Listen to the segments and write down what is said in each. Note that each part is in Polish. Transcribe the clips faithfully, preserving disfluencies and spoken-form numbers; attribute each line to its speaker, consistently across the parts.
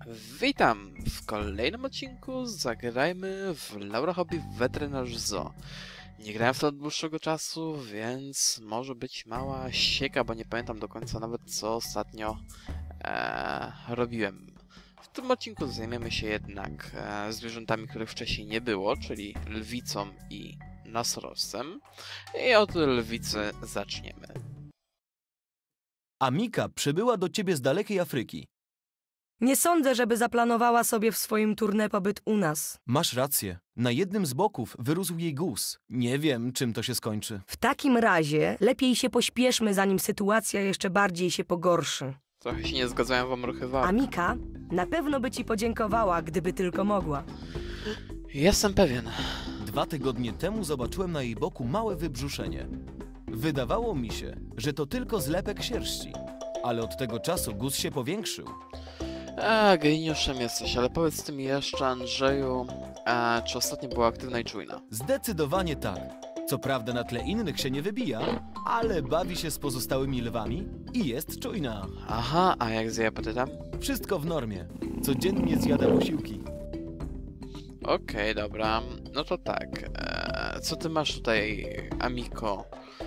Speaker 1: Witam w kolejnym odcinku. Zagrajmy w Laura Hobby Weterynarz Zoo. Nie grałem w to od dłuższego czasu, więc może być mała sieka, bo nie pamiętam do końca nawet co ostatnio e, robiłem. W tym odcinku zajmiemy się jednak e, zwierzętami, których wcześniej nie było, czyli lwicą i nosorożcem. I od lwicy zaczniemy.
Speaker 2: Amika przybyła do ciebie z dalekiej Afryki.
Speaker 3: Nie sądzę, żeby zaplanowała sobie w swoim tournée pobyt u nas.
Speaker 2: Masz rację. Na jednym z boków wyrósł jej guz. Nie wiem, czym to się skończy.
Speaker 3: W takim razie lepiej się pośpieszmy, zanim sytuacja jeszcze bardziej się pogorszy.
Speaker 1: Trochę się nie zgadzają wam ruchy warg.
Speaker 3: Amika na pewno by ci podziękowała, gdyby tylko mogła.
Speaker 1: Jestem pewien.
Speaker 2: Dwa tygodnie temu zobaczyłem na jej boku małe wybrzuszenie. Wydawało mi się, że to tylko zlepek sierści. Ale od tego czasu guz się powiększył.
Speaker 1: A, geniuszem jesteś, ale powiedz mi jeszcze, Andrzeju, a, czy ostatnio była aktywna i czujna?
Speaker 2: Zdecydowanie tak. Co prawda na tle innych się nie wybija, ale bawi się z pozostałymi lwami i jest czujna.
Speaker 1: Aha, a jak z jej apetytem?
Speaker 2: Wszystko w normie. Codziennie zjada posiłki.
Speaker 1: Okej, dobra. No to tak. E, co ty masz tutaj, Amiko?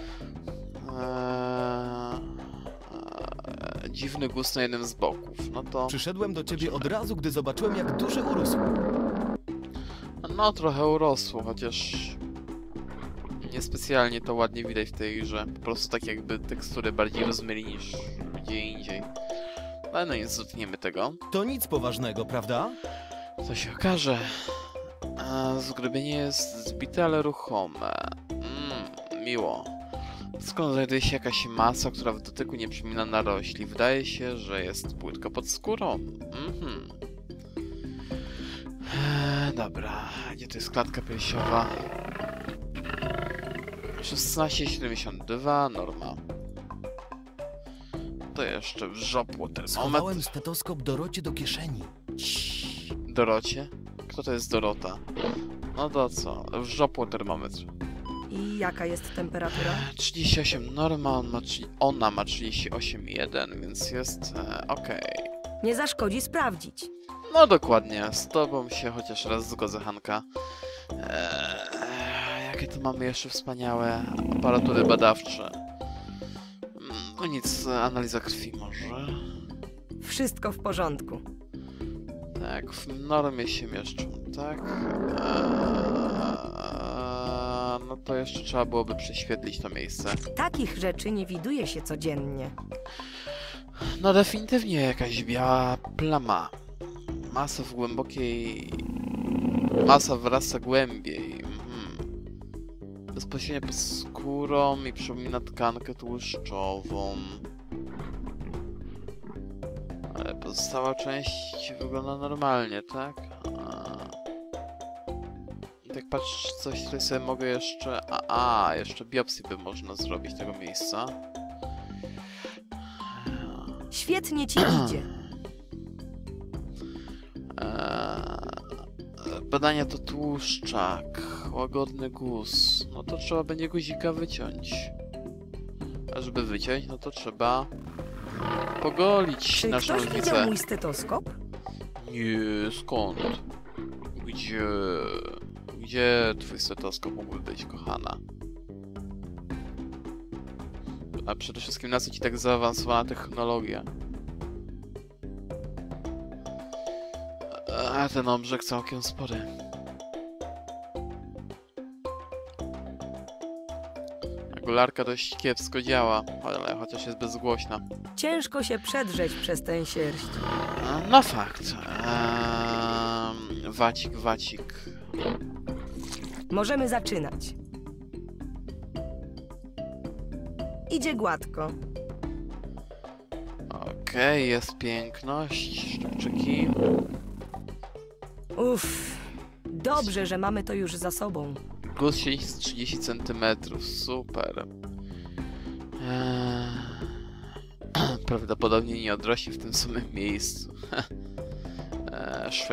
Speaker 1: E, e, dziwny gust na jednym z boków. No to...
Speaker 2: Przyszedłem do ciebie od razu, gdy zobaczyłem, jak duży urósł.
Speaker 1: No, trochę urosło, chociaż... Niespecjalnie to ładnie widać w tej grze. Po prostu tak jakby tekstury bardziej rozmyli niż gdzie indziej. Ale no nic, dotkniemy tego.
Speaker 2: To nic poważnego, prawda?
Speaker 1: Co się okaże. A, zgrubienie jest zbite, ale ruchome. Mmm, miło. Skąd znajduje się jakaś masa, która w dotyku nie przypomina narośli? Wydaje się, że jest płytka pod skórą. Mhm. Eee, dobra, gdzie to jest klatka piersiowa? szesnaście siedemdziesiąt dwa, norma. To jeszcze wrzopło termometr.
Speaker 2: Schowałem stetoskop Dorocie do kieszeni.
Speaker 1: Dorocie? Kto to jest Dorota? No to co? Wrzopło termometr.
Speaker 3: I jaka jest temperatura?
Speaker 1: trzydzieści osiem norma, on ma, ona ma trzydzieści osiem przecinek jeden, więc jest e, okej.
Speaker 3: Nie zaszkodzi sprawdzić.
Speaker 1: No dokładnie, z tobą się chociaż raz zgodzę, Hanka. Eee, jakie tu mamy jeszcze wspaniałe aparatury badawcze. No nic, analiza krwi może.
Speaker 3: Wszystko w porządku.
Speaker 1: Tak, w normie się mieszczą, tak? Eee, no to jeszcze trzeba byłoby prześwietlić to miejsce.
Speaker 3: Takich rzeczy nie widuje się codziennie.
Speaker 1: No definitywnie jakaś biała plama. Masa w głębokiej... Masa wrasta głębiej. Mhm. Bezpośrednio pod skórą i przypomina tkankę tłuszczową. Ale pozostała część wygląda normalnie, tak? A... Tak patrz, coś tutaj sobie mogę jeszcze... A, a jeszcze biopsję by można zrobić tego miejsca.
Speaker 3: Świetnie ci idzie.
Speaker 1: Eee, badania to tłuszczak, łagodny guz. No to trzeba będzie guzika wyciąć. A żeby wyciąć, no to trzeba pogolić
Speaker 3: Czy
Speaker 1: naszą
Speaker 3: ktoś widział
Speaker 1: lwicę.
Speaker 3: mój stetoskop?
Speaker 1: Nie, skąd? Gdzie? Gdzie twój stetoskop mógłby być, kochana? A przede wszystkim na co ci tak zaawansowana technologia? A ten obrzeg całkiem spory. Regularka dość kiepsko działa, ale chociaż jest bezgłośna.
Speaker 3: Ciężko się przedrzeć przez tę sierść.
Speaker 1: No fakt. Eee, wacik, wacik.
Speaker 3: Możemy zaczynać. Idzie gładko.
Speaker 1: Okej, okay, jest piękność, szczypczyki.
Speaker 3: Uff, dobrze, że mamy to już za sobą.
Speaker 1: Guz siedzi z trzydzieści centymetrów, super. Eee, prawdopodobnie nie odrośnie w tym samym miejscu. eee, szwy.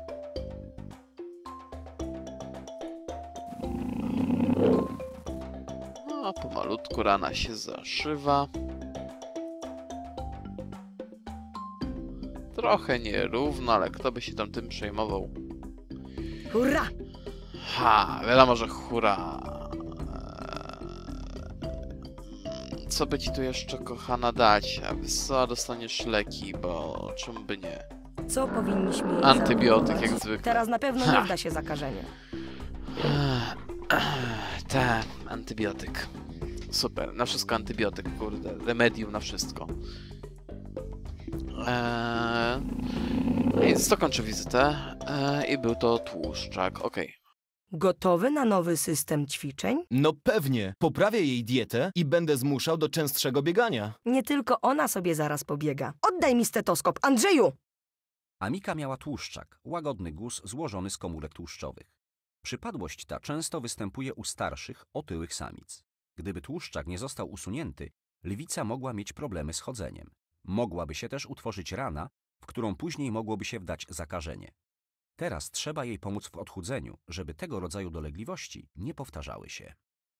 Speaker 1: No, pomalutku rana się zaszywa. Trochę nierówno, ale kto by się tam tym przejmował?
Speaker 3: Hurra!
Speaker 1: Ha, wiadomo, że hura. Eee, Co by ci tu jeszcze, kochana, dać? A wiesz co, dostaniesz leki, bo czemu by nie?
Speaker 3: Co powinniśmy jej
Speaker 1: Antybiotyk,
Speaker 3: zaproponować?
Speaker 1: jak zwykle.
Speaker 3: Teraz na pewno
Speaker 1: Ha.
Speaker 3: nie wda się zakażenie.
Speaker 1: Te, antybiotyk. Super, na wszystko antybiotyk, kurde. Remedium na wszystko. Eee, Więc to kończę wizytę. Eee, I był to tłuszczak, okej.
Speaker 3: Gotowy na nowy system ćwiczeń?
Speaker 2: No pewnie, poprawię jej dietę i będę zmuszał do częstszego biegania.
Speaker 3: Nie tylko ona sobie zaraz pobiega. Oddaj mi stetoskop, Andrzeju!
Speaker 4: Amika miała tłuszczak, łagodny guz złożony z komórek tłuszczowych. Przypadłość ta często występuje u starszych, otyłych samic. Gdyby tłuszczak nie został usunięty, lwica mogła mieć problemy z chodzeniem. Mogłaby się też utworzyć rana, w którą później mogłoby się wdać zakażenie. Teraz trzeba jej pomóc w odchudzeniu, żeby tego rodzaju dolegliwości nie powtarzały się.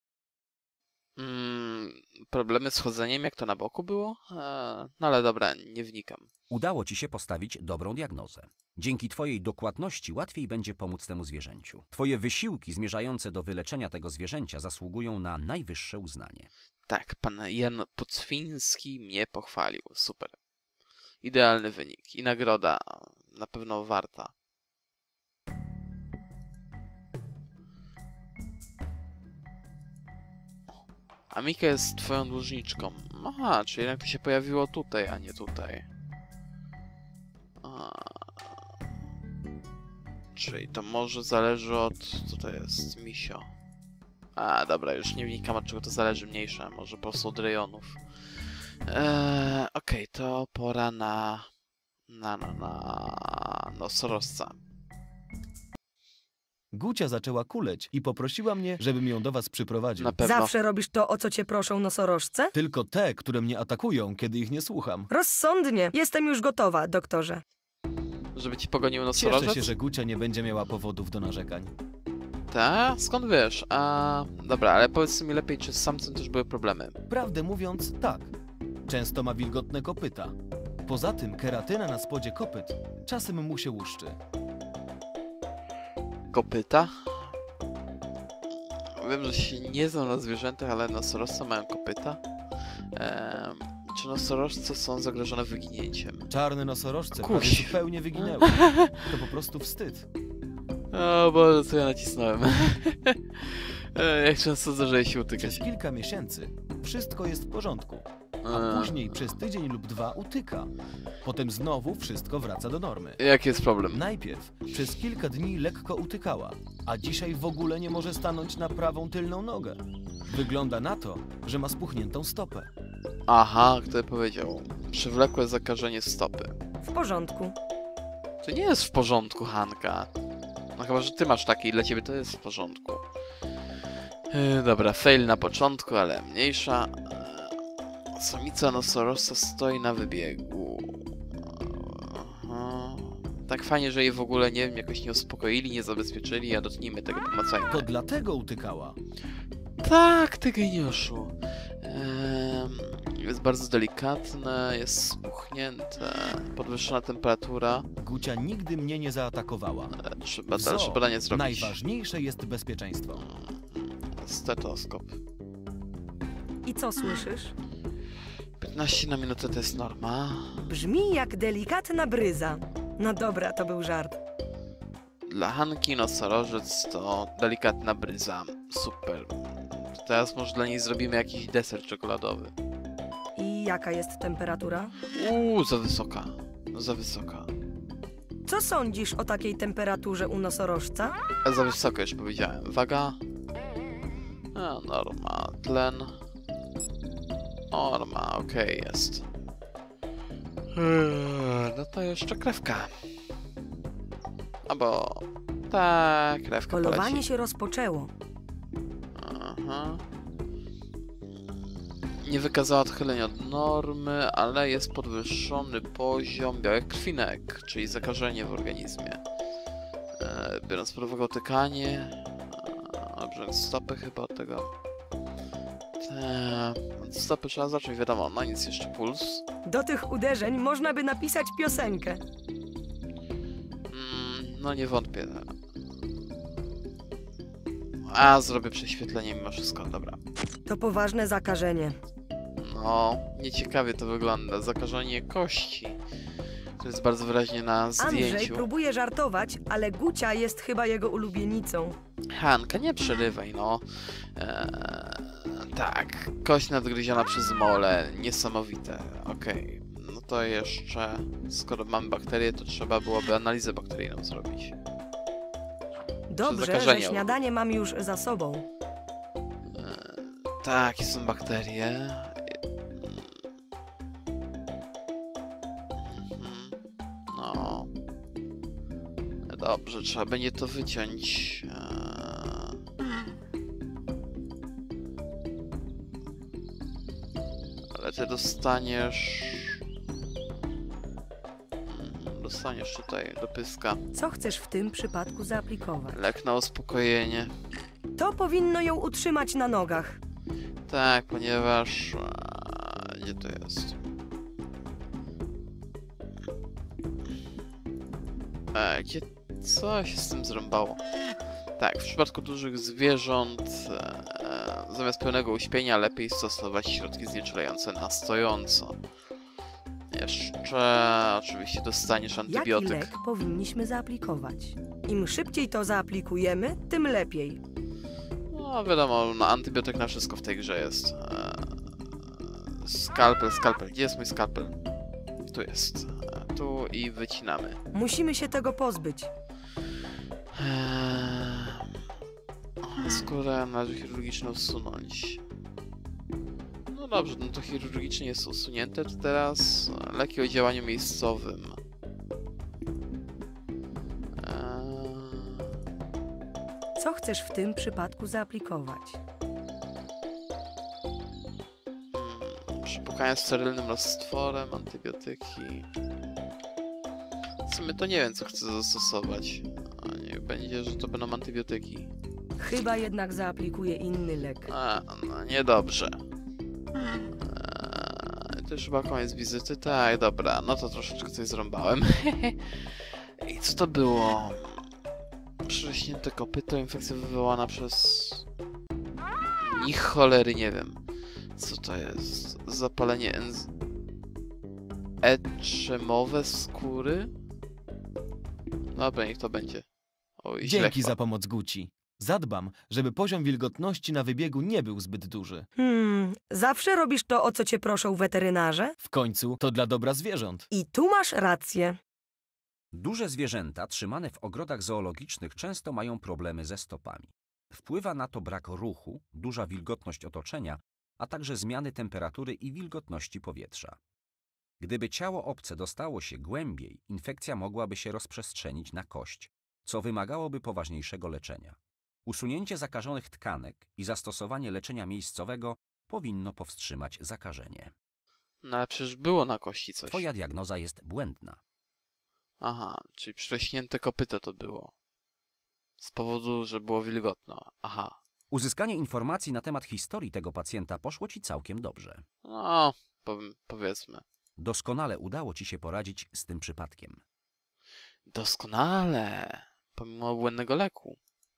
Speaker 1: Mm, problemy z chodzeniem, jak to na boku było? Eee, no ale dobra, nie wnikam.
Speaker 4: Udało ci się postawić dobrą diagnozę. Dzięki twojej dokładności łatwiej będzie pomóc temu zwierzęciu. Twoje wysiłki zmierzające do wyleczenia tego zwierzęcia zasługują na najwyższe uznanie.
Speaker 1: Tak, pan Jan Pocwiński mnie pochwalił. Super. Idealny wynik i nagroda na pewno warta. Amika jest twoją dłużniczką. Aha, czyli jednak to się pojawiło tutaj, a nie tutaj. A... Czyli to może zależy od... Co to jest? Misio. A, dobra, już nie wnikam, od czego to zależy, mniejsze. Może po prostu od rejonów. Eee, Okej, okay, to pora na... Na, na, na... nosorożca.
Speaker 2: Gucia zaczęła kuleć i poprosiła mnie, żebym ją do was przyprowadził.
Speaker 1: Na pewno.
Speaker 3: Zawsze robisz to, o co cię proszą nosorożce?
Speaker 2: Tylko te, które mnie atakują, kiedy ich nie słucham.
Speaker 3: Rozsądnie. Jestem już gotowa, doktorze.
Speaker 1: Żeby ci pogonił
Speaker 2: Cieszę
Speaker 1: nosorożec?
Speaker 2: się, że Gucia nie będzie miała powodów do narzekań.
Speaker 1: Ta? Skąd wiesz? A... Dobra, ale powiedz mi lepiej, czy z samcem też były problemy?
Speaker 2: Prawdę mówiąc, tak. Często ma wilgotne kopyta. Poza tym keratyna na spodzie kopyt czasem mu się łuszczy.
Speaker 1: Kopyta? Wiem, że się nie znam na zwierzętach, ale nosorożce mają kopyta. Ehm, czy nosorożce są zagrożone wyginięciem?
Speaker 2: Czarne nosorożce
Speaker 1: Kuś.
Speaker 2: prawie zupełnie wyginęły. To po prostu wstyd.
Speaker 1: O Boże, co ja nacisnąłem. E, Jak często zdarza się utykać.
Speaker 2: Przez kilka miesięcy wszystko jest w porządku, a
Speaker 1: Eee,
Speaker 2: później przez tydzień lub dwa utyka. Potem znowu wszystko wraca do normy.
Speaker 1: Jaki jest problem?
Speaker 2: Najpierw przez kilka dni lekko utykała, a dzisiaj w ogóle nie może stanąć na prawą tylną nogę. Wygląda na to, że ma spuchniętą stopę.
Speaker 1: Aha, kto powiedział? Przewlekłe zakażenie stopy.
Speaker 3: W porządku.
Speaker 1: To nie jest w porządku, Hanka. No chyba, że ty masz takie i dla ciebie to jest w porządku. Yy, dobra, fail na początku, ale mniejsza. Yy, samica nosorożca stoi na wybiegu. Aha. Tak fajnie, że jej w ogóle, nie wiem, jakoś nie uspokoili, nie zabezpieczyli, a dotknijmy tego pomacajmy.
Speaker 2: To dlatego utykała.
Speaker 1: Tak, ty geniuszu. Ehm, jest bardzo delikatne, jest spuchnięte, podwyższona temperatura.
Speaker 2: Gucia nigdy mnie nie zaatakowała.
Speaker 1: E, Trzeba
Speaker 2: W
Speaker 1: dalsze
Speaker 2: zoo
Speaker 1: badanie zrobić.
Speaker 2: najważniejsze jest bezpieczeństwo.
Speaker 1: Stetoskop.
Speaker 3: I co słyszysz?
Speaker 1: piętnaście na minutę to jest norma.
Speaker 3: Brzmi jak delikatna bryza. No dobra, to był żart.
Speaker 1: Dla Hanki nosorożec to delikatna bryza. Super. Teraz może dla niej zrobimy jakiś deser czekoladowy.
Speaker 3: I jaka jest temperatura?
Speaker 1: Uuu, za wysoka. Za wysoka.
Speaker 3: Co sądzisz o takiej temperaturze u nosorożca?
Speaker 1: A za wysoko już powiedziałem. Waga. A, norma. Tlen. Norma, okej, jest. Eee, No to jeszcze krewka. Albo... Tak, krewka
Speaker 3: Polowanie
Speaker 1: poleci.
Speaker 3: się rozpoczęło.
Speaker 1: Aha. Nie wykazała odchylenia od normy, ale jest podwyższony poziom białek krwinek, czyli zakażenie w organizmie. E, biorąc pod uwagę otykanie, e, brzeg stopy chyba od tego. Eee, stopy trzeba zacząć, wiadomo, no nic, jeszcze puls.
Speaker 3: Do tych uderzeń można by napisać piosenkę.
Speaker 1: Mm, no nie wątpię. A, zrobię prześwietlenie mimo wszystko, dobra.
Speaker 3: To poważne zakażenie.
Speaker 1: No, nieciekawie to wygląda. Zakażenie kości. To jest bardzo wyraźnie na zdjęciu.
Speaker 3: Andrzej próbuje żartować, ale Gucia jest chyba jego ulubienicą.
Speaker 1: Hanka, nie przerywaj, no. Eee, tak, kość nadgryziona przez mole. Niesamowite. Okej. Okay. No to jeszcze, skoro mamy bakterie, to trzeba byłoby analizę bakteryjną zrobić.
Speaker 3: Dobrze, że
Speaker 1: zakażenie.
Speaker 3: śniadanie mam już za sobą.
Speaker 1: Eee, tak, są bakterie. No. Dobrze, trzeba będzie to wyciąć. Eee. Ale ty dostaniesz... Mm, Dostaniesz tutaj do pyska.
Speaker 3: Co chcesz w tym przypadku zaaplikować?
Speaker 1: Lek na uspokojenie.
Speaker 3: To powinno ją utrzymać na nogach.
Speaker 1: Tak, ponieważ... Eee, gdzie to jest? Eee, gdzie... Co się z tym zrąbało? Tak, w przypadku dużych zwierząt e, zamiast pełnego uśpienia lepiej stosować środki znieczulające na stojąco. Jeszcze oczywiście dostaniesz
Speaker 3: Jaki
Speaker 1: antybiotyk.
Speaker 3: lek powinniśmy zaaplikować? Im szybciej to zaaplikujemy, tym lepiej.
Speaker 1: No wiadomo, no, antybiotyk na wszystko w tej grze jest. E, skalpel, skalpel. Gdzie jest mój skalpel? Tu jest. E, tu i wycinamy.
Speaker 3: Musimy się tego pozbyć.
Speaker 1: Eee, skórę należy chirurgicznie usunąć. No dobrze, no to chirurgicznie jest usunięte, to teraz leki o działaniu miejscowym. Eee,
Speaker 3: Co chcesz w tym przypadku zaaplikować?
Speaker 1: hmm, przypukanie sterylnym roztworem, antybiotyki. W sumie to nie wiem, co chcę zastosować. A niech będzie, że to będą antybiotyki.
Speaker 3: Chyba jednak zaaplikuję inny lek.
Speaker 1: A, no niedobrze. Eee, to już chyba koniec wizyty. Tak, dobra, no to troszeczkę coś zrąbałem. I co to było? Przerośnięte kopyto, infekcja wywołana przez... Ni cholery, nie wiem. Co to jest? Zapalenie enz... Eczemowe skóry? Dobra, niech to będzie. Oj, źle
Speaker 2: Dzięki
Speaker 1: chyba.
Speaker 2: za pomoc, Guci. Zadbam, żeby poziom wilgotności na wybiegu nie był zbyt duży.
Speaker 3: Hmm, zawsze robisz to, o co cię proszą weterynarze?
Speaker 2: W końcu to dla dobra zwierząt.
Speaker 3: I tu masz rację.
Speaker 4: Duże zwierzęta trzymane w ogrodach zoologicznych często mają problemy ze stopami. Wpływa na to brak ruchu, duża wilgotność otoczenia, a także zmiany temperatury i wilgotności powietrza. Gdyby ciało obce dostało się głębiej, infekcja mogłaby się rozprzestrzenić na kość, co wymagałoby poważniejszego leczenia. Usunięcie zakażonych tkanek i zastosowanie leczenia miejscowego powinno powstrzymać zakażenie.
Speaker 1: No ale przecież było na kości coś.
Speaker 4: Twoja diagnoza jest błędna.
Speaker 1: Aha, czyli prześnięte kopyto to było. Z powodu, że było wilgotno. Aha.
Speaker 4: Uzyskanie informacji na temat historii tego pacjenta poszło ci całkiem dobrze.
Speaker 1: No, powiem, powiedzmy.
Speaker 4: Doskonale udało ci się poradzić z tym przypadkiem.
Speaker 1: Doskonale. Pomimo błędnego leku.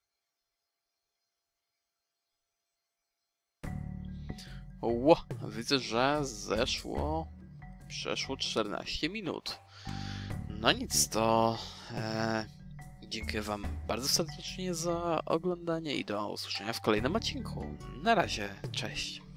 Speaker 1: Ło, widzę, że zeszło... Przeszło czternaście minut. No nic, to... E, dziękuję wam bardzo serdecznie za oglądanie i do usłyszenia w kolejnym odcinku. Na razie, cześć.